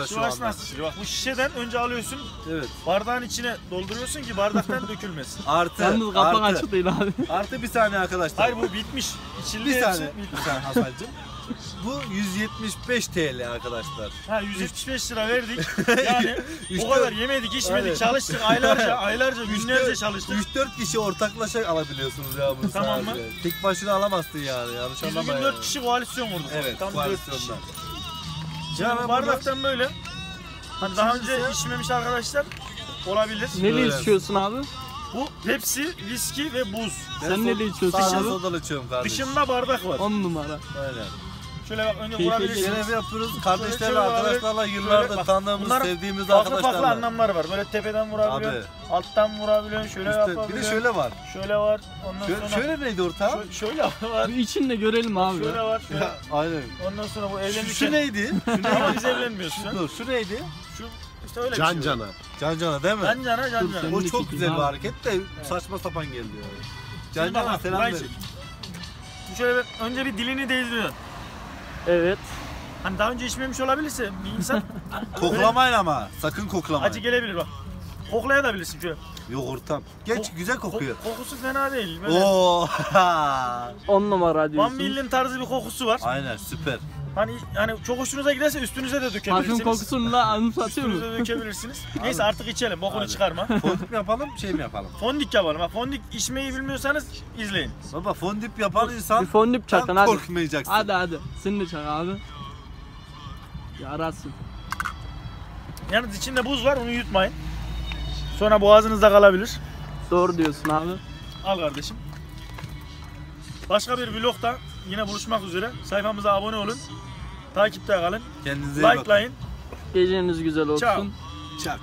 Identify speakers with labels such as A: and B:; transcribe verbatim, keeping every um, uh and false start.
A: Şu
B: Şivas
A: anda.
B: nasıl içiliyor? Bak bu şişeden önce alıyorsun.
A: Evet.
B: Bardağın içine dolduruyorsun ki bardaktan dökülmesin.
A: Artı,
C: Yalnız kapak
A: artı,
C: açık değil abi.
A: artı bir saniye arkadaşlar.
B: Hayır bu bitmiş. İçildi
A: bir
B: hepsi.
A: saniye. Bir saniye Hasan'cığım. Bu yüz yetmiş beş TL arkadaşlar.
B: Ha yüz yetmiş beş lira verdik. Yani
A: Üç
B: o kadar
A: dört-
B: yemedik, içmedik,
A: Aynen.
B: çalıştık aylarca, aylarca, günlerce çalıştık.
A: üç dört kişi ortaklaşa alabiliyorsunuz ya bunu
B: Tamam
A: sadece. Tek başına alamazsın yani. Yanlış
B: Biz
A: anlama
B: bugün
A: yani.
B: dört kişi koalisyon vurduk.
A: Evet,
B: Tam dört kişi.
A: koalisyondan.
B: Şimdi
A: Yani
B: bu bardaktan böyle. Hani daha önce
A: İkincisi-
B: içmemiş arkadaşlar olabilir.
C: Neyle
A: Evet.
C: içiyorsun abi?
B: Bu Pepsi, viski ve buz.
A: Ben
C: Sen
A: so-
C: neyle içiyorsun
A: Sağdan
C: abi?
A: sodalı içiyorum kardeşim.
B: Dışında bardak var.
C: on numara.
A: Aynen.
B: Şöyle bak önce
C: Keyifli
B: vurabilirsiniz.
A: Görev yapıyoruz.
B: Şöyle
A: Kardeşlerle,
B: olabilir.
A: arkadaşlarla
B: Şöyle
A: yıllardır
B: bak,
A: tanıdığımız,
B: bunların
A: sevdiğimiz
B: Farklı farklı
A: arkadaşlarla.
B: anlamları var. Böyle tepeden vurabiliyorsun, alttan vurabiliyorsun, şöyle
A: İşte bir
B: yapabiliyorsun.
A: de şöyle var.
B: Şöyle var. Ondan
A: Şöyle,
B: sonra
A: şöyle neydi ortağım?
B: şöyle, şöyle var.
C: Bir için de görelim abi.
B: Şöyle var. Şöyle.
A: Ya, aynen.
B: Ondan sonra bu
A: Şu,
B: evlenirken.
A: şu neydi? Şu
B: Ama
A: neydi?
B: biz evlenmiyoruz şu an.
A: Dur, şu neydi?
B: Şu işte öyle
D: Can
B: bir şey.
D: cana.
A: Can Cana değil mi?
B: Can cana, can
C: Dur,
B: cana.
C: sen-
A: O
C: de
A: çok
C: çekeyim
A: güzel bir
C: abi.
A: hareket de saçma sapan geldi yani. Can
B: Şimdi bak,
A: Cana selam
B: burayı
A: verin.
B: çek. Bu şöyle bir, önce bir dilini değdiriyorsun.
C: Evet.
B: Hani daha önce içmemiş olabilirse bir insan
A: Koklamayın ama. Sakın koklamayın.
B: acı gelebilir bak. Koklayabilirsin şöyle.
A: Yok ortam. Geç
B: Kok-
A: güzel kokuyor.
B: Kok- kokusu fena değil. Böyle
A: Oo.
C: on numara
B: Van
C: diyorsun.
B: Millin tarzı bir kokusu var.
A: Aynen süper.
B: Hani hani çok hoşunuza giderse üstünüze de dökebilirsiniz.
C: Parfüm kokusunu da anımsatıyor mu?
B: Üstünüze dökebilirsiniz. Neyse artık içelim. Bokunu
A: Hadi.
B: çıkarma.
A: Fondip mi yapalım, şey mi yapalım?
B: Fondik yapalım. Ha, fondik içmeyi bilmiyorsanız izleyin.
A: Baba fondip yapan
C: Bir
A: insan
C: fondip çakın hadi.
A: korkmayacaksın.
C: Hadi hadi. Sen de çak abi. Yarasın.
B: Yalnız içinde buz var, onu yutmayın. Sonra boğazınızda kalabilir.
C: Doğru diyorsun abi.
B: Al kardeşim. Başka bir vlogda yine buluşmak üzere. Sayfamıza abone olun. Takipte kalın.
A: Kendinize iyi bakın.
B: Likelayın.
C: Geceniz güzel olsun.
B: Ciao.
A: Çak.